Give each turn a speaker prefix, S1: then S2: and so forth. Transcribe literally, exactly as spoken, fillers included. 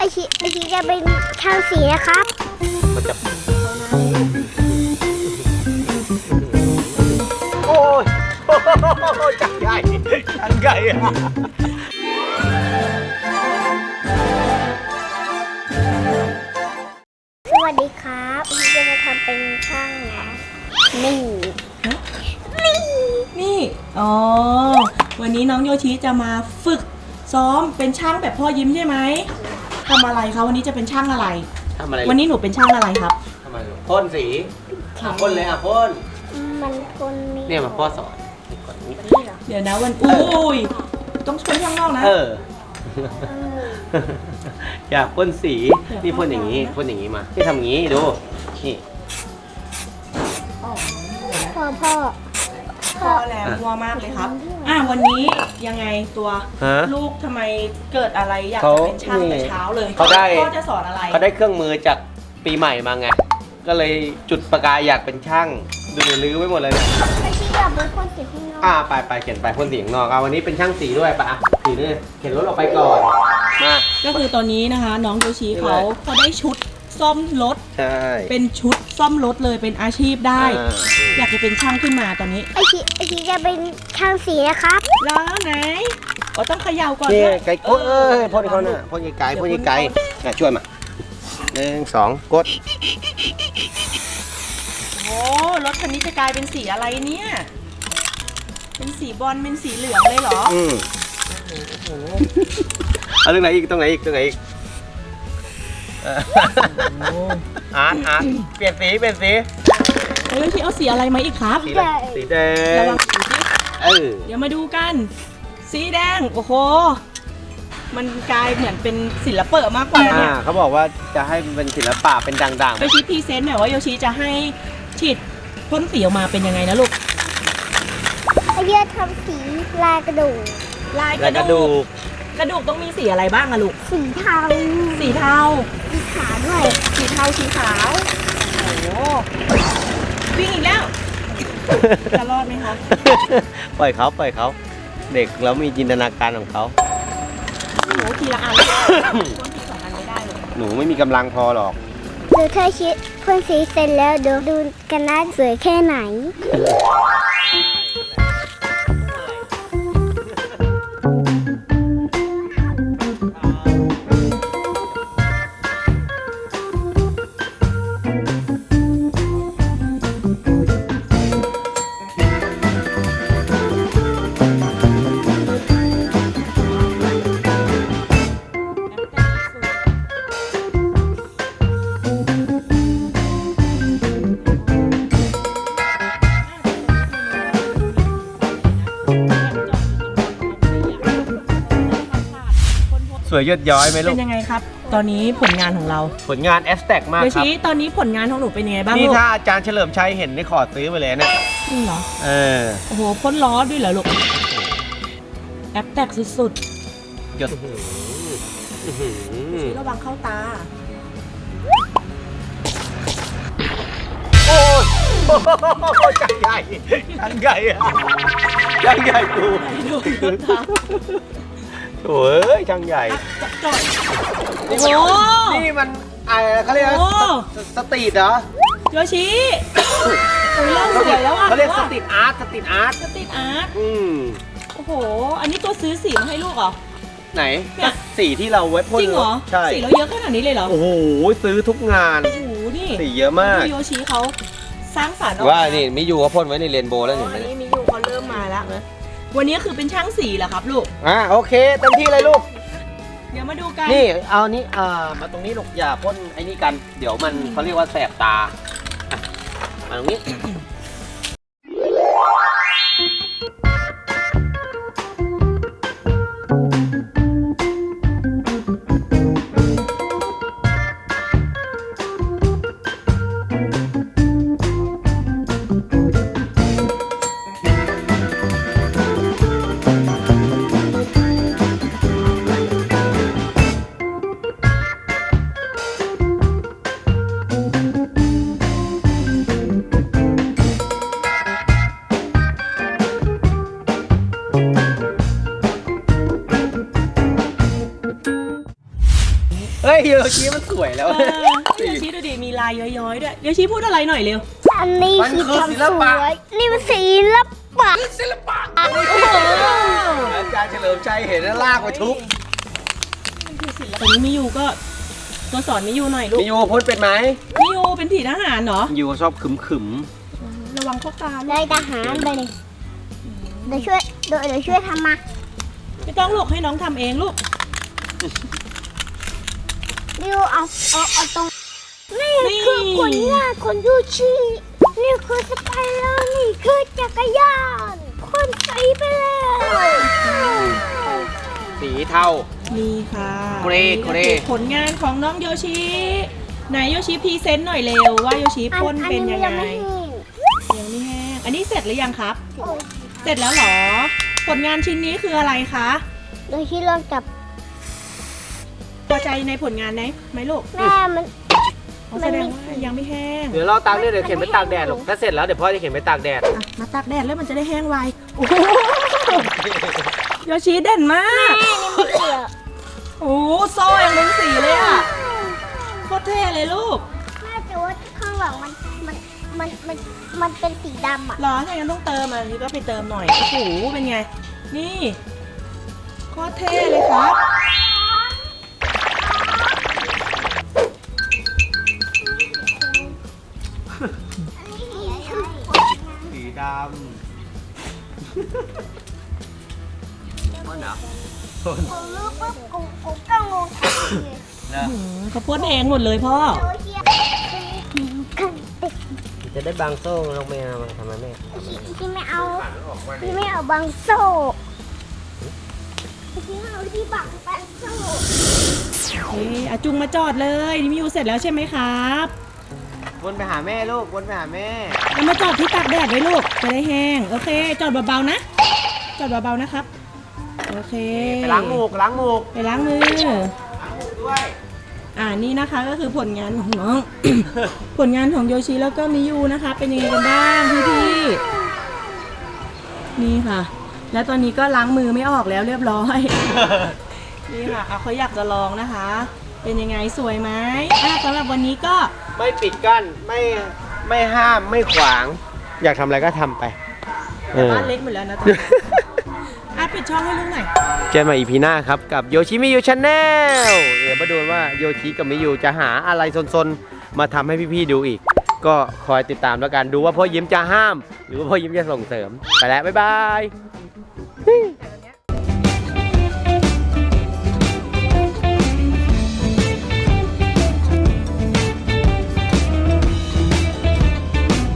S1: ชิไอชิจะเป็นช่างสีนะครับ
S2: มันจะโอ้ยจังใหญ่จังใหญ่อะ
S1: สวัสดีครับไอชิจะมาทำเป็นช่างนะนี่นี่
S3: นี่อ๋อวันนี้น้องโยชิจะมาฝึกซ้อมเป็นช่างแบบพ่อยิ้มใช่ไหมทำอะไรคะวันนี้จะเป็นช่างอะไร
S2: ทำอะไร
S3: วันนี้หนูเป็นช่างอะไรครับ
S2: ทำอะไรพ่นสีพ่นเลยอ่ะพ่น
S1: มันพ่นนี่
S2: เนี่ยมาพ่อสอนก่อนนี้
S3: เดี๋ยวนะวันอุ้ยต้องช่วยข้างนอกนะ
S2: เอออยากพ่นสีนี่พ่นอย่างนี้พ่นอย่างนี้มาที่ทำอย่างนี้ดูนี่
S1: พ่อพ่อ
S3: พ่อแล้วมัวมากเลยครับอ่ะวันนี้ยังไงตัวลูกทำไมเกิดอะไรอยากจะเป็นช่างแต่เช้าเลย
S2: เขาได้
S3: พ่อจะสอนอะไร
S2: เขาได้เครื่องมือจากปีใหม่มาไงก็เลยจุดประกายอยากเป็นช่างดูลื้อไว้หมดเลยเนี่ย
S1: ไอชิอยากเป็นพ่นสีข้างนอก
S2: อ่าไปไปเขียนไปพ่นสีข้างนอกเอาวันนี้เป็นช่างสีด้วยปะสีนี่เขียนรถออกไปก่อนมา
S3: ก็คือตอนนี้นะคะน้องโยชิเขาเขาได้ชุดซ่อมรถ
S2: ใช่
S3: เป็นชุดซ่อมรถเลยเป็นอาชีพได้อยากจะเป็นช่างขึ้นมาตอนนี้
S1: ไอชิไอชิจะเป็นช่างสีนะครับ
S3: แล้วไหนก็ต้องเขย่าก่อน
S2: นี่ไก่โอ้เอ้ยพ่นเขาเนี่ยพ่นไก่พ่นไก่น่ะช่วยมาหนึ่งสองกด
S3: โอ้รถคันนี้จะกลายเป็นสีอะไรเนี่ยเป็นสีบอลเป็นสีเหลืองเลยเหรอ
S2: อืมโอ้โหเอาตรงไหนอีกตรงไหนอีกตรงไหนอีกอาร์ตอาร์ตเปลี่ยนสีเปลี่ยนสี
S3: เฮ้ยพี่เอาสีอะไรมาอีกครับ
S2: สีแดงสีแดงระวังสีเออ
S3: เดี๋ยวมาดูกันสีแดงโอ้โหมันกลายเหมือนเป็นศิลปะมากกว่าเนี่ย
S2: เขาบอกว่าจะให้เป็นศิลปะเป็นด่างๆ
S3: โยชิพรีเซนต์หน่อยว่าโยชิจะให้ฉีดพ่นสีออกมาเป็นยังไงนะลูก
S1: ไอเดียทำสีลายกระดูก
S3: ลายกระดูกกระดูกต้องมีสีอะไรบ้างอะลูก
S1: สีเทา
S3: สีเทา
S1: สีขาวด้วย
S3: สีเทาสีขาวโอ้โหวิ่งอีกแล้วจะรอดไหมคะ
S2: ปล่อยเขาปล่อยเขาเด็กแล้วมีจินตนาการของเขา
S3: หนูทีละอันพ่นทีสองอันไม่ได้เลย
S2: หนูไม่มีกำลังพอหรอก
S1: ดูเธอชิดพ่นสีเสร็จแล้วเดี๋ยวดูกันนะสวยแค่ไหน
S2: สวยยอดย้อยไหมลูก
S3: เป็นยังไงครับตอนนี้ผลงานของเรา
S2: ผลงานแอสแท็กมากครับ
S3: ตอนนี้ผลงานของหนูเป็นยังไงบ้าง
S2: นี่ถ้าอาจารย์เฉลิมชัยเห็นได้ขอซื้อไปเลยเนี่ย
S3: จริงเหรอ
S2: เออ
S3: โอ้โหพ่นล้อด้วยเหรอลูกแอปแท็กสุด
S2: ๆหยด
S3: ระวังเข้าตา
S2: โอ้ยจังใหญ่จังใหญ่อะจังใหญ่กูโอ้ยช่างใหญ่
S3: โอ้โห
S2: นี่มันอะไรเขาเรียกสตรีทเหรอ
S3: โยชิโอ้ยเล่าสวยแล้วอ่ะ
S2: เขาเรียกสตรีทอาร์ตสตรีทอาร์ต
S3: สตรีทอาร์ต
S2: อืม
S3: โอ้โหอันนี้ตัวซื้อสีมาให้ลูกเหรอ
S2: ไหนสีที่เราไว้พ่น
S3: จริงเหรอ
S2: ใช่
S3: สีเราเยอะขนาดนี้เลยเหรอ
S2: โอ้โหซื้อทุกงาน
S3: โอ้โหนี่
S2: สีเยอะมาก
S3: โยชิเขาสร้างสรรค์
S2: ว่านี่มิยูเขาพ่นไว้ในเรนโบว์แล้วเห็นไหม
S3: นี่มิยูเขาเริ่มมาแล้ววันนี้คือเป็นช่างสีเหรอครับลูก
S2: อ่าโอเคเต็มที่เลยลูก
S3: เดี๋ยวมาดูกัน
S2: นี่เอานี้อ่ามาตรงนี้ลูกอย่าพ่นไอ้นี่กันเดี๋ยวมันเขาเรียกว่าแสบตามาตรงนี้ให้โยชิมันสวยแล้ว
S3: เออโยชิดูดิมีลายย้อยๆด้วยโยชิพูดอะไรหน่อยเร็ว
S1: อันนี้
S2: มัน
S1: คือ
S2: คือ
S1: ความ
S2: ศิ
S1: ส
S2: ลปะ
S1: วยนี่มันศิลปะ
S2: ศิลปะอาจารย์เฉลิมชัยเห็นแล้วลากไปทุบ
S3: ตอนนี้มิยูก็ตัวสอนมิยูหน่อยลูก
S2: มีโยพ่นเป็นไหม
S3: มิยูเป็นผีทหารเหรอ
S2: มิโยชอบขึมขึม
S3: ระวังเข้าตาลู
S1: ได้
S3: ก
S1: ทหารไปเลยเดี๋ยวช่วยเดี๋ยวเดี๋ยวช่วยทำมา
S3: ไม่ต้องลูกให้น้องทำเองลูก
S1: ดิวเอาเอาเอาตรงนี่คือผลงานของยูชินี่คือสไปเดอร์นี่คือจักรยานคนใส่ไปแล้ว
S2: สีเทา
S3: นี่ค่ะ
S2: เกรย์เกรย์
S3: ผลงานของน้องโยชิไหนโยชิพรีเซนต์หน่อยเร็วว่าโยชิพ่นเป็นยังไง
S1: อันนี้
S3: ยังไม่แห้งอันนี้เสร็จหรือยังครับ
S1: ยังไม่แห้ง
S3: เสร็จแล้วเหรอ ผลงานชิ้นนี้คืออะไรคะ
S1: โดยที่เริ่มจับ
S3: พอใจในผลงานไหมไหมลูก
S1: แม่มัน
S3: อ๋อแสดงว่ายังไม่แห้ง
S2: เดี๋ยวเราตากเนี่ยเดี๋ยวเข็นไปตากแดดหรอกถ้าเสร็จแล้วเดี๋ยวพ่อจะเข็นไปตากแดด
S3: อ่ะมาตากแดดแล้วมันจะได้แห้งไวโอ้โหโยชิเด่นมาก
S1: แม่นี่ไม่เกี่ยว
S3: โอ้โหโซ่ยังเป็นสีเลยอ่ะโคตรเท่เลยลูก
S1: แม่แต่ว่าข้างหลังมันมันมันมันมันเป็นสีดำอ่ะ
S3: เหรอถ้างั้นต้องเติมอ่ะนี่ก็ไปเติมหน่อยโอ้โหเป็นไง นี่โคตรเท่เลยครับ
S2: สีดำมันเหรอ
S1: กูรู้ปุ๊บกูกูก็งงทันที
S2: นะ
S3: อืมเขาพ่นเองหมดเลยพ่อ
S1: โอ้ยเหี้ยกันติด
S2: จะได้บางโซ่ลงไปทำไมแม่
S1: ที่ไม่เอาที่ไม่เอาบางโซ่ที่เอาที่บังบางโซ่
S3: เฮ้ยอาจุงมาจอดเลยนี่มิวเสร็จแล้วใช่ไหมครับ
S2: วนไปหาแม่ลูกวนไปหาแม่
S3: แล้วมาจอดที่ตากแดดไว้ลูกจะได้แห้งโอเค จอดเบาๆนะ จอดเบาๆนะครับโอเค
S2: ไปล้างมูกล้างมูก
S3: ไปล้างมือ
S2: ล้างมูกด้วย
S3: อ่านี่นะคะก็คือผลงานของน้อง ผลงานของโยชิแล้วก็มิยูนะคะ เป็นยังไงกันบ้างพี่ๆนี่ค่ะ แล้วตอนนี้ก็ล้างมือไม่ออกแล้วเรียบร้อย นี่ค่ะเอาเขาอยากจะลองนะคะ เป็นยังไงสวยไหมอ่ะสำหรับวันนี้ก็
S2: ไม่ปิดกั้นไม่ไม่ห้ามไม่ขวาง อยากทำอะไรก็ทำไปเออ
S3: บ้านเล็กหมดแล้วนะตอนนี้ อ่ะปิดช่องให้ลูกหน่อย
S2: เจอกันใหม่อีพีหน้าครับกับโยชิมิยูชาแนลเดี๋ยวมาดูว่าโยชิกับมิยูจะหาอะไรซนๆ มาทำให้พี่ๆดูอีก ก็คอยติดตามแล้วกันดูว่าพ่อยิ้มจะห้าม หรือว่าพ่อยิ้มจะส่งเสริม ไปแล้ว บ๊ายบาย